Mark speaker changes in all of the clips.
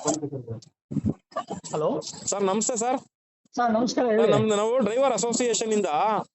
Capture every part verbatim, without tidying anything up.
Speaker 1: Hello
Speaker 2: sir ನಮಸ್ತೆ sir.
Speaker 1: Sir ನಮಸ್ಕಾರ ಹೇಳಿ.
Speaker 2: ನಮ್ದು ನಾವು ಡ್ರೈವರ್ ಅಸೋಸಿಯೇಷನ್ ಇಂದ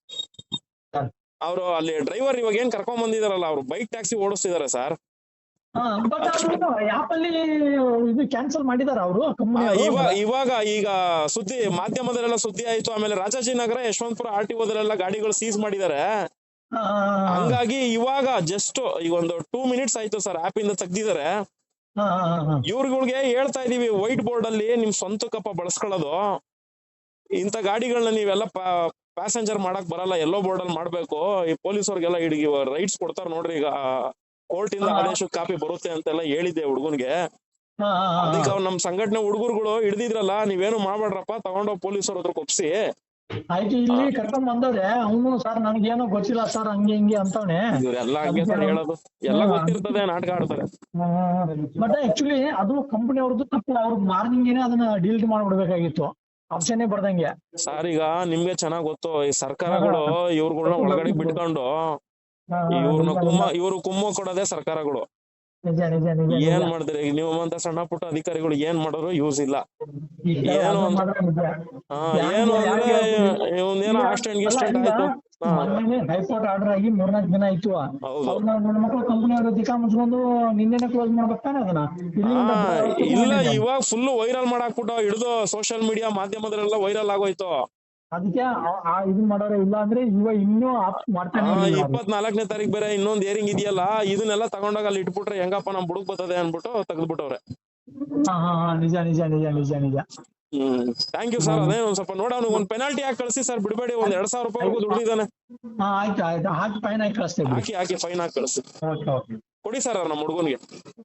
Speaker 2: ಅವರು ಅಲ್ಲಿ ಡ್ರೈವರ್ ಇವಾಗ ಏನ್ ಕರ್ಕೊಂಡ್ ಬಂದಿದಾರಲ್ಲ ಅವ್ರು ಬೈಕ್ ಟ್ಯಾಕ್ಸಿ ಓಡಿಸ್ತಿದಾರೆ ಸರ್.
Speaker 1: ಬಟ್ ಅದು ಆಪ್ ಅಲ್ಲಿ ಇದು ಕ್ಯಾನ್ಸಲ್ ಮಾಡಿದಾರ ಅವರು
Speaker 2: ಇವಾಗ ಇವಾಗ ಈಗ ಸುದ್ದಿ ಮಾಧ್ಯಮದಲ್ಲೆಲ್ಲ ಸುದ್ದಿ ಆಯ್ತು. ಆಮೇಲೆ ರಾಜಾಜಿನಗರ ಯಶವಂತಪುರ ಆರ್ ಟಿ ಓದಲ್ಲೆಲ್ಲ ಗಾಡಿಗಳು ಸೀಸ್ ಮಾಡಿದ್ದಾರೆ. ಹಂಗಾಗಿ ಇವಾಗ ಜಸ್ಟ್ ಈಗ ಒಂದು ಟೂ ಮಿನಿಟ್ಸ್ ಆಯ್ತು ಸರ್ ಆಪ್ ಇಂದ ತೆಗ್ದಿದ್ದಾರೆ. ಇವ್ರಗಳಿಗೆ ಹೇಳ್ತಾ ಇದೀವಿ ವೈಟ್ ಬೋರ್ಡ್ ಅಲ್ಲಿ ನಿಮ್ ಸ್ವಂತಕ್ಕಪ್ಪ ಬಳಸ್ಕೊಳ್ಳೋದು, ಇಂತ ಗಾಡಿಗಳನ್ನ ನೀವೆಲ್ಲ ಪ್ಯಾಸೆಂಜರ್ ಮಾಡಕ್ ಬರಲ್ಲ, ಎಲ್ಲೋ ಬೋರ್ಡ್ ಅಲ್ಲಿ ಮಾಡ್ಬೇಕು. ಈ ಪೊಲೀಸವ್ರಿಗೆಲ್ಲ ಹಿಡಿಗಿ ರೈಟ್ಸ್ ಕೊಡ್ತಾರ ನೋಡ್ರಿ, ಈಗ ಕೋರ್ಟ್ ಇಂದ ಆದೇಶ ಕಾಪಿ ಬರುತ್ತೆ ಅಂತೆಲ್ಲ ಹೇಳಿದ್ದೆ ಹುಡುಗನ್ಗೆ. ಅದಕ್ಕೆ ಅವ್ರು ನಮ್ ಸಂಘಟನೆ ಹುಡುಗರುಗಳು ಹಿಡಿದಿದ್ರಲ್ಲ, ನೀವೇನು ಮಾಡ್ಬೇಡ್ರಪ್ಪ, ತಗೊಂಡೋಗ್ ಪೊಲೀಸರ ಹತ್ರ ಒಪ್ಸಿ
Speaker 1: ಆಯ್ತು ಇಲ್ಲಿ ಕರ್ಕೊಂಡ್ ಬಂದವ್ರೆ. ಅವನು ಸರ್ ನನ್ಗೇನೋ ಗೊತ್ತಿಲ್ಲ ಸರ್ ಹಂಗೆ ಹಿಂಗೆ ಅಂತವನೆ.
Speaker 2: ಇವ್ರೆಲ್ಲ ಹಂಗೆ ಸರ್ ಹೇಳೋದು, ಎಲ್ಲ ಗೊತ್ತಿರ್ತದೆ, ನಾಟಕ ಆಡ್ತಾರೆ.
Speaker 1: ಬಟ್ ಆಕ್ಚುಲಿ ಅದು ಕಂಪನಿ ಅವ್ರದ್ದು ತಪ್ಪು. ಅವ್ರು ಮಾರ್ನಿಂಗ್ ಏನೇ ಅದನ್ನ ಡಿಲೀಟ್ ಮಾಡ್ಬಿಡ್ಬೇಕಾಗಿತ್ತು, ಆಪ್ಷನ್ ಬರ್ದಂಗೆ.
Speaker 2: ಸರ್ ಈಗ ನಿಮ್ಗೆ ಚೆನ್ನಾಗ್ ಗೊತ್ತು, ಈ ಸರ್ಕಾರಗಳು ಇವ್ರುಗಳನ್ನ ಒಳಗಡೆ ಬಿಟ್ಕೊಂಡು ಇವ್ರನ್ನ ಕುಮ್ಮ ಇವ್ರು ಕುಮ್ಮ ಕೊಡೋದೇ ಸರ್ಕಾರಗಳು. ಏನ್ ಮಾಡಿದ್ರೆ ಈಗ ನೀವಂತ ಸಣ್ಣ ಪುಟ್ಟ ಅಧಿಕಾರಿಗಳು ಏನ್ ಮಾಡಿದ್ರು ಯೂಸ್ ಇಲ್ಲ. ಏನು ಹಾ ಏನು ಅಂದ್ರೆ ಏನೋ ಆಕ್ಸಿಡೆಂಟ್ ಗಿಸ್ಟೆಂಟ್ ಆಯ್ತು,
Speaker 1: ಹೈಕೋರ್ಟ್ ಆರ್ಡರ್ ಆಗಿ ಮೂರ್ನಾಲ್ಕು ದಿನ ಆಯ್ತು. ನನ್ನ ಮಕ್ಕಳು ಕಂಪನಿ ಅವರು ದಿಕ್ಕಾ ಮುಚ್ಕೊಂಡು ನಿನ್ನೆನೆ ಕ್ಲೋಸ್ ಮಾಡ್ಬೇಕಾನೆ ಅದನ್ನ.
Speaker 2: ಇಲ್ಲ ಇವಾಗ ಫುಲ್ ವೈರಲ್ ಮಾಡಾಕ್ಬಿಟ್ಟು ಹಿಡಿದು ಸೋಷಿಯಲ್ ಮೀಡಿಯಾ ಮಾಧ್ಯಮದಲ್ಲೆಲ್ಲ ವೈರಲ್ ಆಗೋಯ್ತು.
Speaker 1: ಅದಕ್ಕೆ ಇದನ್ ಮಾಡೋರೆ. ಇಲ್ಲ ಅಂದ್ರೆ ಇವಾಗ ಇನ್ನೂ ಮಾಡ್ತಾನೆ.
Speaker 2: ಇಪ್ಪತ್ನಾಲ್ಕನೇ ತಾರೀಕು ಬೇರೆ ಇನ್ನೊಂದ್ ಏರಿಂಗ್ ಇದೆಯಲ್ಲ, ಇದನ್ನೆಲ್ಲ ತಗೊಂಡಾಗ ಅಲ್ಲಿ ಇಟ್ಬಿಟ್ರೆ ಹೆಂಗಪ್ಪ ನಮ್ ಬುಡಕ್ ಬರ್ತದೆ ಅನ್ಬಿಟ್ಟು ತೆಗೆದ್ಬಿಟ್ಟವ್ರೆ.
Speaker 1: ಹಾ ಹಾ ನಿಜ ನಿಜ ನಿಜ ನಿಜ ನಿಜ.
Speaker 2: Hmm thank you sir. ಅದೇ ಒಂದ್ ಸ್ವಲ್ಪ ನೋಡ ಒಂದ್ ಪೆನಾಲ್ಟಿ ಹಾಕಿ ಕಳಿಸಿ ಸರ್, ಬಿಡಬೇಡಿ. ಒಂದ್ ಎರಡ್ ಸಾವಿರ ರೂಪಾಯಿವರೆಗೂ ದುಡ್ಡಿದ್ದಾನೆ.
Speaker 1: ಆಯ್ತು ಆಯ್ತು ಹಾಕಿ ಫೈನ್ ಹಾಕಿ ಕಳಿಸ್ತೇವೆ.
Speaker 2: ಹಾಕಿ ಹಾಕಿ ಫೈನ್ ಹಾಕಿ ಕಳಿಸಿ ಕೊಡಿ ಸರ್ ನಮ್ಮ ಹುಡುಗನ್ಗೆ.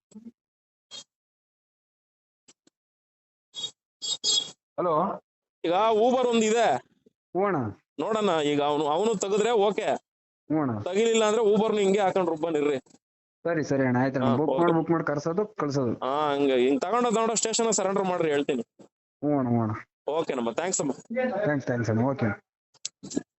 Speaker 3: ಹಲೋ,
Speaker 2: ಈಗ ಊಬರ್ ಒಂದಿದೆ
Speaker 3: ಹೂಣ
Speaker 2: ನೋಡೋಣ. ಈಗ ಅವನು ಅವನು ತೆಗೆದ್ರೆ ಓಕೆ,
Speaker 3: ಹೂಣ
Speaker 2: ತಗಿಲಿಲ್ಲ ಅಂದ್ರೆ ಊಬರ್ನು ಹಿಂಗೆ ಹಾಕೊಂಡ್ ರುಬ್ಬನಿರ್ರಿ.
Speaker 3: ಸರಿ ಸರಿ ಅಣ್ಣ, ಆಯ್ತು. ಬುಕ್ ಮಾಡಿ ಬುಕ್ ಮಾಡಿ ಕರ್ಸೋದು ಕಳ್ಸೋದು.
Speaker 2: ಹಾ ಹಂಗ ಹಿಂಗ್ ತಗೊಂಡ ತಗೊಂಡ ಸ್ಟೇಷನ್ ಸರೆಂಡರ್ ಮಾಡ್ರಿ ಹೇಳ್ತೀನಿ.
Speaker 3: ಹೂಣ ಹೂಣ
Speaker 2: ಓಕೆ ನಮ್ಮ ಥ್ಯಾಂಕ್ಸ್ ಅಮ್ಮ.
Speaker 3: ಥ್ಯಾಂಕ್ಸ್ ಥ್ಯಾಂಕ್ಸ್ ಅಣ್ಣ. ಓಕೆ.